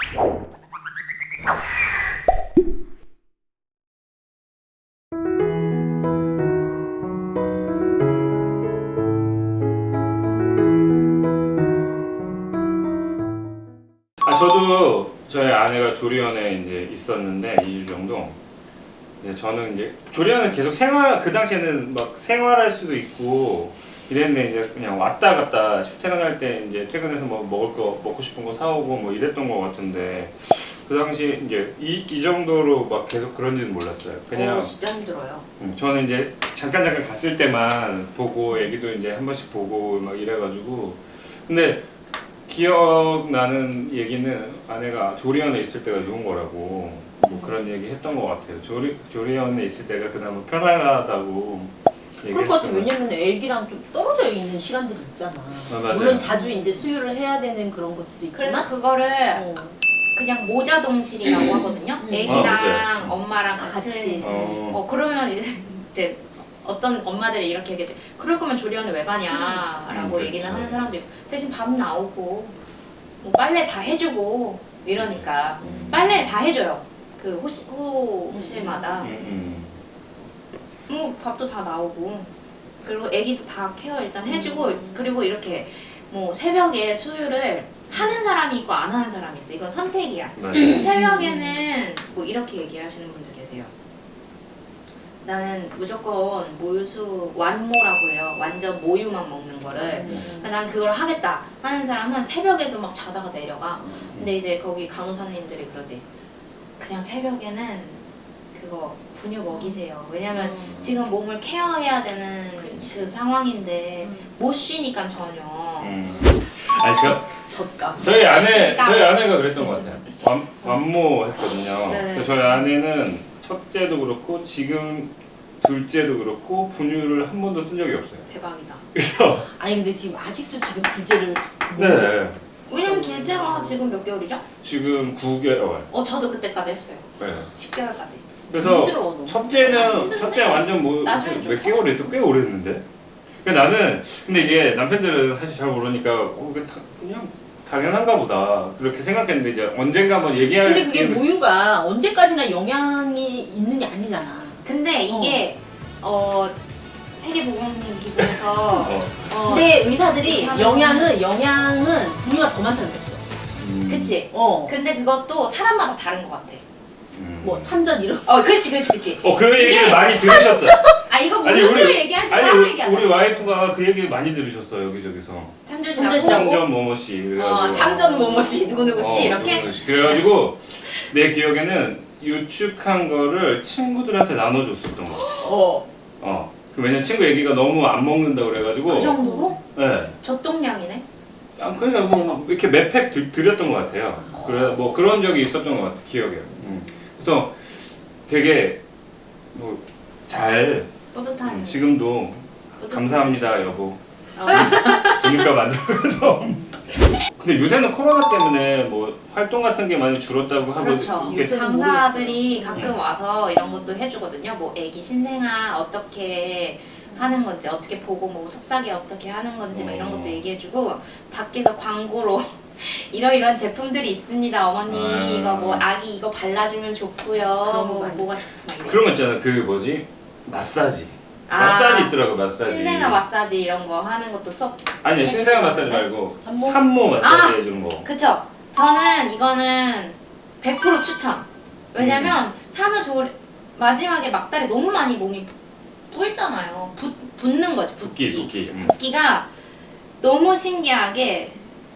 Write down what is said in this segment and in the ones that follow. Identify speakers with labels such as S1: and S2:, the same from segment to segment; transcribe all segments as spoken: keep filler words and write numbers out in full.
S1: 아, 저도 저희 아내가 조리원에 이제 있었는데 이 주 정도. 이제 저는 이제 조리원은 계속 생활, 그 당시에는 막 생활할 수도 있고 이랬는데 이제 그냥 왔다 갔다 출퇴근할 때 이제 퇴근해서 뭐 먹을 거 먹고 싶은 거 사오고 뭐 이랬던 거 같은데 그 당시 이제 이, 이 정도로 막 계속 그런지는 몰랐어요. 그냥
S2: 어, 진짜 힘들어요.
S1: 음, 저는 이제 잠깐 잠깐 갔을 때만 보고 애기도 이제 한 번씩 보고 막 이래가지고 근데 기억나는 얘기는 아내가 조리원에 있을 때가 좋은 거라고 뭐 그런 얘기 했던 것 같아요. 조리, 조리원에 있을 때가 그나마 편안하다고
S2: 그럴 것 같아.
S1: 얘기했어요.
S2: 왜냐면 애기랑 좀 떨어져 있는 시간들이 있잖아.
S1: 아, 맞아요.
S2: 물론 자주 이제 수유를 해야 되는 그런 것도
S3: 그래서
S2: 있지만
S3: 그거를
S2: 어.
S3: 그냥 모자동실이라고 하거든요.
S2: 음.
S3: 애기랑
S1: 아,
S3: 엄마랑
S2: 같이.
S3: 같이.
S1: 어,
S3: 어 그러면 이제 이제 어떤 엄마들이 이렇게 얘기하지. 그럴 거면 조리원에 왜 가냐라고
S1: 음,
S3: 얘기는
S1: 그렇죠.
S3: 하는 사람도 있고 대신 밥 나오고 뭐 빨래 다 해주고 이러니까
S1: 음.
S3: 빨래를 다 해줘요. 그 호시, 호실마다
S1: 음,
S3: 뭐 밥도 다 나오고 그리고 애기도 다 케어 일단 해주고
S2: 음.
S3: 그리고 이렇게 뭐 새벽에 수유를 하는 사람이 있고 안 하는 사람이 있어. 이건 선택이야.
S1: 음, 맞아요.
S3: 새벽에는 뭐 이렇게 얘기하시는 분들 계세요. 나는 무조건 모유수 완모라고 해요. 완전 모유만 먹는 거를.
S2: 음.
S3: 난 그걸 하겠다 하는 사람은 새벽에도 막 자다가 내려가. 근데 이제 거기 간호사님들이 그러지. 그냥 새벽에는 그거 분유 먹이세요. 왜냐면
S2: 음.
S3: 지금 몸을 케어해야 되는 그 상황인데
S2: 음.
S3: 못 쉬니까 전혀.
S1: 음. 아니 제가
S2: 젖가.
S1: 저희 아내
S3: 찌찌까.
S1: 저희 아내가 그랬던 것 같아요. 완, 완모 했거든요.
S3: 네.
S1: 그래서 저희 아내는 첫째도 그렇고 지금 둘째도 그렇고 분유를 한 번도 쓴 적이 없어요.
S3: 대박이다.
S1: 그래서
S2: 아니 근데 지금 아직도 지금 둘째를
S1: 네
S3: 왜냐면 둘째가 지금 몇 개월이죠?
S1: 지금 구 개월.
S3: 어 저도 그때까지 했어요.
S1: 네.
S3: 십 개월까지.
S1: 그래서
S2: 힘들어, 너무.
S1: 첫째는
S3: 힘든데.
S1: 첫째 완전 뭐
S3: 나중에 좀
S1: 몇 개월 했도 꽤 오래 했는데. 그러니까 나는 근데 이게 남편들은 사실 잘 모르니까 어, 그게 다, 그냥 당연한가 보다 그렇게 생각했는데 이제 언젠가 한번 얘기할
S2: 근데 그게
S1: 기회를-
S2: 모유가 언제까지나 영향이 있는 게 아니잖아.
S3: 근데 이게 어, 세계보건기구에서
S1: 어.
S3: 어,
S2: 근데 의사들이
S3: 하면은-
S2: 영양은 영양은 분유가 더 많다고 그랬어.
S1: 음.
S3: 그치?
S2: 어.
S3: 근데 그것도 사람마다 다른 것 같아.
S1: 음.
S2: 뭐 참전 이런.
S3: 어 그렇지 그렇지 그렇지.
S1: 어, 그 얘기를
S3: 이게
S1: 많이 들으셨어요.
S3: 아 이거
S1: 아니,
S3: 모유수유
S1: 우리-
S3: 얘기할 때
S1: 아니
S3: 따로
S1: 우리,
S3: 얘기하자.
S1: 우리 와이프가 그 얘기 많이 들으셨어요 여기저기서.
S3: 참조시라고.
S2: 참조시라고?
S1: 참전 뭐뭐씨 그래가지고
S3: 어, 참전 뭐뭐씨 누구누구씨
S1: 어,
S3: 이렇게.
S1: 누구누구씨. 그래가지고 내 기억에는 유축한 거를 친구들한테 나눠줬었던 거.
S2: 어.
S1: 어. 그 왜냐면 친구 얘기가 너무 안 먹는다 그래가지고.
S3: 그 정도로?
S1: 네.
S3: 젖동량이네.
S1: 아, 그러니까 뭐 이렇게 몇 팩 드렸던 것 같아요. 그래 뭐 그런 적이 있었던 것 같아 기억에. 음. 그래서 되게 뭐 잘
S3: 뿌듯한.
S1: 음, 지금도
S3: 뿌듯한
S1: 감사합니다 여보.
S3: 어, 감사-
S1: 분유가 만들어서. 근데 요새는 코로나 때문에 뭐 활동 같은 게 많이 줄었다고 하고
S3: 그렇죠.
S1: 이게-
S2: 요새는
S3: 강사들이 가끔
S1: 음.
S3: 와서 이런 것도 해주거든요. 뭐 애기 신생아 어떻게 하는 건지, 어떻게 보고 뭐 속삭이 어떻게 하는 건지 막 이런
S1: 어.
S3: 것도 얘기해주고 밖에서 광고로 이러이러한 제품들이 있습니다. 어머니
S1: 아.
S3: 이거 뭐 아기 이거 발라주면 좋고요.
S2: 그런 거
S3: 뭐
S2: 많이
S3: 뭐가 막 이래.
S1: 그런 거 있잖아. 그 뭐지 마사지.
S3: 아,
S1: 마사지 있더라고 마사지.
S3: 신생아 마사지 이런 거 하는 것도 수업.
S1: 아니
S3: 해주는
S1: 신생아
S3: 거
S1: 마사지
S3: 같은데?
S1: 말고
S2: 산모?
S1: 산모 마사지
S3: 아!
S1: 해주는 거.
S3: 그쵸. 저는 이거는 백 퍼센트 추천. 왜냐면
S1: 음.
S3: 산후조리 마지막에 막달에 너무 많이 몸이 뿔잖아요. 붓, 붓는 거지 붓기.
S1: 붓기 붓기. 음.
S3: 붓기가 너무 신기하게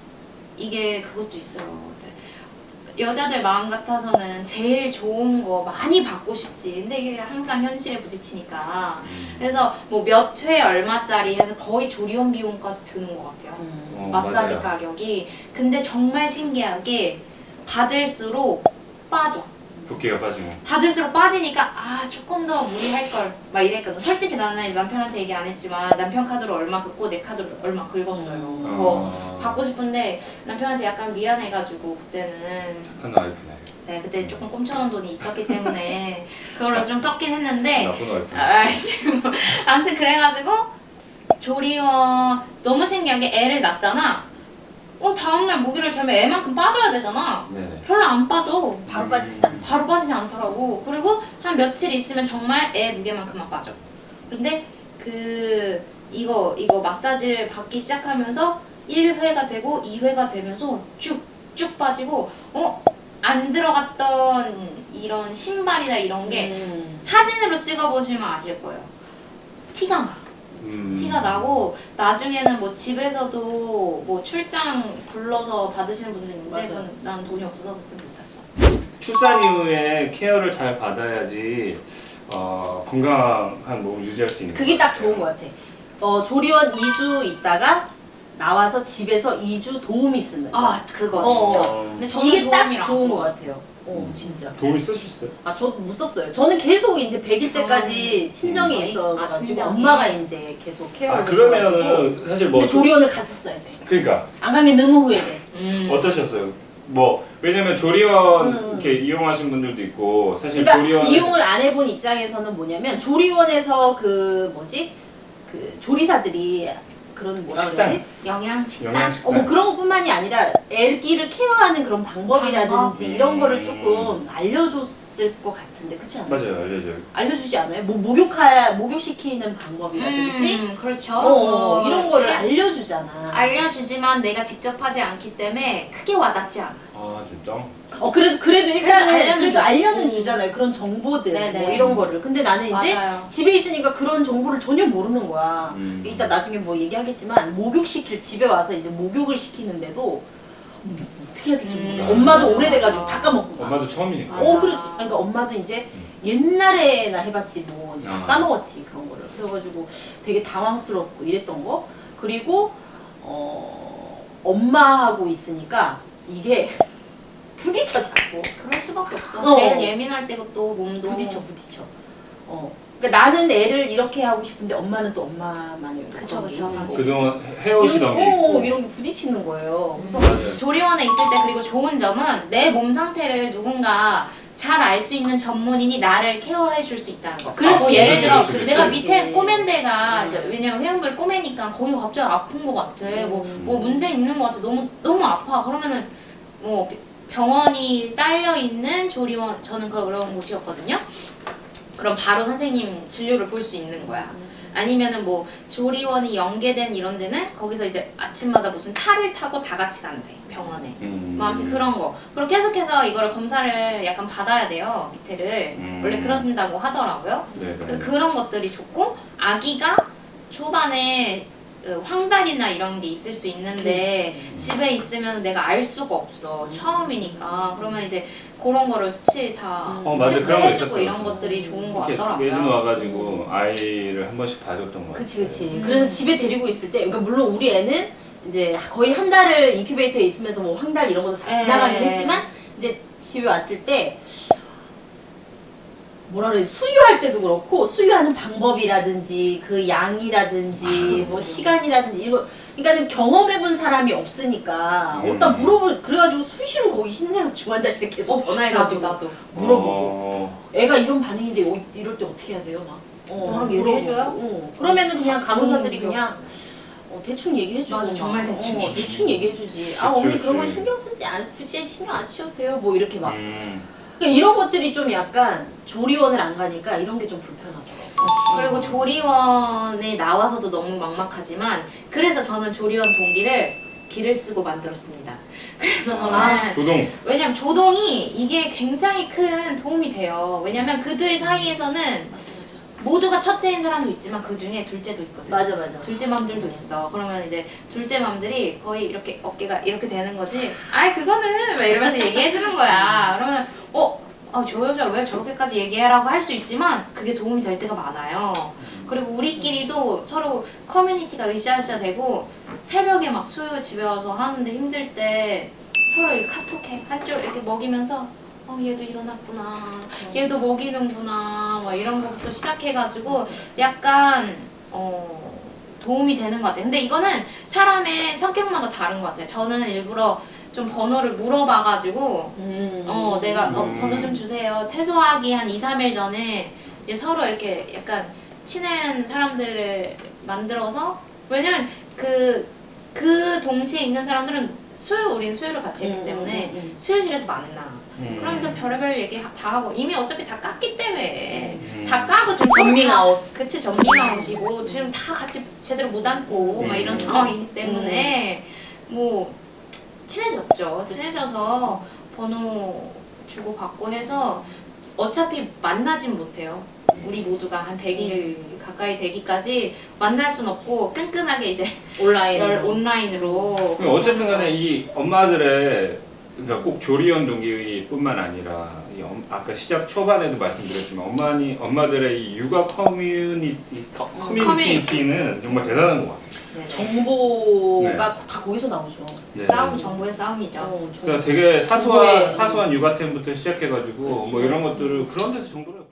S3: 이게 그것도 있어요. 여자들 마음 같아서는 제일 좋은 거 많이 받고 싶지. 근데 이게 항상 현실에 부딪히니까.
S1: 음.
S3: 그래서 뭐 몇 회 얼마짜리 해서 거의 조리원 비용까지 드는 것 같아요.
S2: 음.
S1: 어,
S3: 마사지
S1: 맞아요.
S3: 가격이. 근데 정말 신기하게 받을수록 빠져.
S1: 붓기가 빠지고.
S3: 받을수록 빠지니까 아 조금 더 무리할 걸 막 이랬거든. 솔직히 나는 남편한테 얘기 안 했지만 남편 카드로 얼마 긁고 내 카드로 얼마 긁었어요.
S2: 음.
S3: 더
S1: 아,
S3: 받고 싶은데 남편한테 약간 미안해가지고 그때는
S1: 착한 와이프네.
S3: 네 그때 조금 꼼쳐놓은 돈이 있었기 때문에 그걸로 좀 썼긴 했는데
S1: 나쁜 와이프.
S3: 아이씨 뭐 아무튼 그래가지고 조리원 너무 신기한 게 애를 낳잖아. 어 다음날 모기를 재면 애만큼 빠져야 되잖아.
S1: 네네.
S3: 별로 안 빠져.
S2: 바로 빠지지 않아.
S3: 바로 빠지지 않더라고. 그리고 한 며칠 있으면 정말 애 무게만큼만 빠져. 근데 그 이거 이거 마사지를 받기 시작하면서 일 회가 되고 이 회가 되면서 쭉쭉 빠지고 어? 안 들어갔던 이런 신발이나 이런 게
S2: 음.
S3: 사진으로 찍어보시면 아실 거예요. 티가 나.
S1: 음.
S3: 티가 나고 나중에는 뭐 집에서도 뭐 출장 불러서 받으시는 분들 있는데
S2: 맞아요.
S3: 그건 난 돈이 없어서 그때 못 샀어.
S1: 출산 이후에 케어를 잘 받아야지 어, 건강한 몸을 유지할 수 있는
S2: 그게
S1: 것
S2: 딱
S1: 같아요.
S2: 좋은 것 같아. 어, 조리원 이 주 있다가 나와서 집에서 이 주 도우미 쓰는 거.
S3: 아 그거
S2: 어.
S3: 진짜.
S1: 어,
S3: 근데 저는
S2: 이게 딱
S3: 도우미를 안
S2: 좋은
S3: 써.
S2: 것 같아요. 어,
S1: 음.
S2: 진짜.
S1: 도움이 쓰셨어요?
S2: 아, 저도 못 썼어요. 저는 계속 이제 백 일 때까지 친정이
S3: 음.
S2: 있어가지고
S3: 아, 친정이?
S2: 엄마가 이제 계속 케어를
S1: 아
S2: 해줘가지고.
S1: 그러면은 사실 뭐
S2: 근데 조리원을 갔었어야 돼.
S1: 그러니까
S2: 안 간 게 너무 후회돼.
S3: 음.
S1: 어떠셨어요? 뭐 왜냐면 조리원
S2: 음.
S1: 이렇게 이용하신 분들도 있고 사실
S2: 그러니까
S1: 조리원
S2: 이용을 안 해본 입장에서는 뭐냐면 조리원에서 그 뭐지 그 조리사들이 그런 뭐라
S1: 식단.
S2: 그러지?
S3: 영양 식단.
S1: 영양식단.
S2: 어, 뭐 그런 것뿐만이 아니라 애기를 케어하는 그런 방법이라든지
S3: 방법?
S2: 이런 거를
S1: 음.
S2: 조금 알려줬을 것 같은데 그렇지 않아요?
S1: 맞아요, 알려줘요.
S2: 알려주지 않아요? 뭐 목욕할 목욕시키는 방법이라든지
S3: 음, 그렇죠.
S2: 어, 어,
S3: 어,
S2: 이런 거를
S3: 해-
S2: 알려주잖아.
S3: 알려주지만 내가 직접 하지 않기 때문에 크게 와닿지 않아.
S1: 아 진짜?
S2: 어 그래도 그래도 일단은
S3: 그래도 알려는
S2: 그래도
S3: 주-
S2: 알려는
S3: 음.
S2: 주잖아요. 그런 정보들
S3: 네네.
S2: 뭐 이런 거를. 근데 나는 이제
S3: 맞아요.
S2: 집에 있으니까 그런 정보를 전혀 모르는 거야.
S1: 음.
S2: 이따 나중에 뭐 얘기하겠지만 목욕시킬 집에 와서 이제 목욕을 시키는데도 음, 어떻게 해야 될지
S3: 음.
S2: 모르겠어. 엄마도
S3: 맞아,
S2: 오래돼가지고
S3: 맞아.
S2: 다 까먹고 막.
S1: 엄마도 처음이니까.
S3: 맞아.
S2: 어 그렇지. 그러니까 엄마도 이제
S1: 음.
S2: 옛날에나 해봤지 뭐 이제 다
S1: 아.
S2: 까먹었지 그런 거를. 그래가지고 되게 당황스럽고 이랬던 거. 그리고 어 엄마하고 있으니까 이게 부딪혀 자꾸.
S3: 그럴 수밖에 없어.
S2: 어.
S3: 제일 예민할 때고 또 몸도
S2: 부딪혀 부딪혀. 어. 그러니까 나는 애를 이렇게 하고 싶은데 엄마는 또 엄마만의
S3: 그쵸,
S2: 그런 게
S3: 그쵸.
S2: 있는 거고.
S1: 그동안 해오시던 게
S2: 이런,
S1: 있고.
S2: 어, 이런 게 부딪히는 거예요. 그래서
S1: 맞아요.
S3: 조리원에 있을 때 그리고 좋은 점은 내 몸 상태를 누군가 잘 알 수 있는 전문인이 나를 케어해 줄 수 있다는 거.
S2: 그렇지.
S3: 뭐 예를 들어
S1: 그렇지, 그렇지,
S3: 내가
S1: 그렇지.
S3: 밑에 꼬맨 데가
S2: 음.
S3: 그러니까 왜냐면 회원부를 꼬매니까 거기가 갑자기 아픈 것 같아. 뭐,
S2: 음.
S3: 뭐 문제 있는 것 같아. 너무 너무 아파. 그러면은 뭐 병원이 딸려 있는 조리원 저는 그런 곳이었거든요. 그럼 바로 선생님 진료를 볼 수 있는 거야. 아니면은 뭐 조리원이 연계된 이런 데는 거기서 이제 아침마다 무슨 차를 타고 다 같이 간대 병원에.
S1: 음.
S3: 뭐 아무튼 그런 거. 그리고 계속해서 이거를 검사를 약간 받아야 돼요 밑에를.
S1: 음.
S3: 원래 그런다고 하더라고요.
S1: 네네.
S3: 그래서 그런 것들이 좋고 아기가 초반에 그 황달이나 이런 게 있을 수 있는데
S2: 그렇지.
S3: 집에 있으면 내가 알 수가 없어 처음이니까. 그러면 이제 그런 거를 수치 다
S2: 어,
S1: 맞아. 그런 거
S3: 체크해주고
S1: 있었더라고요.
S3: 이런 것들이 좋은 것
S1: 이렇게
S3: 같더라고요.
S1: 예전 와가지고 아이를 한 번씩 봐줬던 것 같아요.
S2: 그치 그치.
S3: 음.
S2: 그래서 집에 데리고 있을 때 그러니까 물론 우리 애는 이제 거의 한 달을 인큐베이터에 있으면서 뭐 황달 이런 것도 다
S3: 에.
S2: 지나가긴 했지만 이제 집에 왔을 때 뭐라 그래 수유할 때도 그렇고 수유하는 방법이라든지 그 양이라든지 뭐 시간이라든지 이거 그러니까는 경험해본 사람이 없으니까
S1: 음.
S2: 일단 물어볼 그래가지고 수시로 거기 신생 중환자실에 계속 전화해가지고
S3: 나도 나도.
S2: 물어보고
S1: 어.
S2: 애가 이런 반응인데 어, 이럴 때 어떻게 해야 돼요 막 어,
S3: 그럼
S2: 물어보고.
S3: 얘기해줘요?
S2: 어. 그러면은 그냥 간호사들이
S3: 음,
S2: 그냥 어, 대충 얘기해주고
S3: 맞아,
S2: 막.
S3: 정말 대충
S2: 어,
S3: 얘기해주지.
S2: 대충 얘기해주지 아
S1: 그치,
S2: 어머니 그런 거
S1: 그치.
S2: 신경 쓰지 않 굳이 신경 안 쓰셔도 돼요 뭐 이렇게 막
S1: 음.
S2: 그러니까 이런 것들이 좀 약간 조리원을 안 가니까 이런 게 좀 불편하더라고.
S3: 그리고 조리원에 나와서도 너무 막막하지만 그래서 저는 조리원 동기를 기를 쓰고 만들었습니다. 그래서 저는
S2: 아,
S1: 조동.
S3: 왜냐면 조동이 이게 굉장히 큰 도움이 돼요. 왜냐면 그들 사이에서는
S2: 맞아 맞아.
S3: 모두가 첫째인 사람도 있지만 그 중에 둘째도 있거든.
S2: 맞아 맞아.
S3: 둘째 맘들도 있어. 그러면 이제 둘째 맘들이 거의 이렇게 어깨가 이렇게 되는 거지. 아이 그거는 막 이러면서 얘기해 주는 거야. 그러면 어, 아, 저 여자 왜 저렇게까지 얘기해라고 할 수 있지만 그게 도움이 될 때가 많아요. 그리고 우리끼리도 서로 커뮤니티가 으쌰으쌰 되고 새벽에 막 수요 집에 와서 하는데 힘들 때 서로 이렇게 카톡해 한쪽 이렇게 먹이면서 어 얘도 일어났구나 얘도 먹이는구나 막 이런 거부터 시작해가지고 약간 어 도움이 되는 것 같아요. 근데 이거는 사람의 성격마다 다른 것 같아요. 저는 일부러 좀 번호를 물어봐가지고
S2: 음.
S3: 어 내가 어,
S1: 음.
S3: 번호 좀 주세요. 퇴소하기 한 이, 삼 일 전에 이제 서로 이렇게 약간 친한 사람들을 만들어서 왜냐면 그, 그 동시에 있는 사람들은 수요 우린 수요를 같이 했기
S2: 음,
S3: 때문에
S2: 음, 음.
S3: 수요실에서 만나.
S1: 음.
S3: 그러면서 별의별 얘기 다 하고 이미 어차피 다 깠기 때문에
S1: 음.
S3: 다 까고 지금
S2: 전밍아웃.
S3: 그치 전밍아웃이고 지금 다 같이 제대로 못 앉고 막 이런
S1: 음.
S3: 상황이기 때문에 뭐 친해졌죠. 친해져서 번호 주고 받고 해서 어차피 만나진 못해요. 우리 모두가 한 백 일 가까이 되기까지 만날 순 없고 끈끈하게 이제
S2: 온라인.
S3: 열 온라인으로.
S1: 그럼 어쨌든 간에 이 엄마들의 그러니까 꼭 조리원 동기뿐만 아니라 이 엄- 아까 시작 초반에도 말씀드렸지만 엄마니 엄마들의 이 육아 커뮤니티 커뮤니티는 정말 대단한 것 같아요.
S3: 네.
S2: 정보가
S1: 네.
S2: 다 거기서 나오죠.
S1: 네.
S3: 싸움 정보의 싸움이죠.
S2: 어, 정보.
S1: 그러니까 되게 사소한
S2: 정보의-
S1: 사소한 육아템부터 시작해가지고
S2: 그렇지.
S1: 뭐 이런 것들을 그런 데서 정보를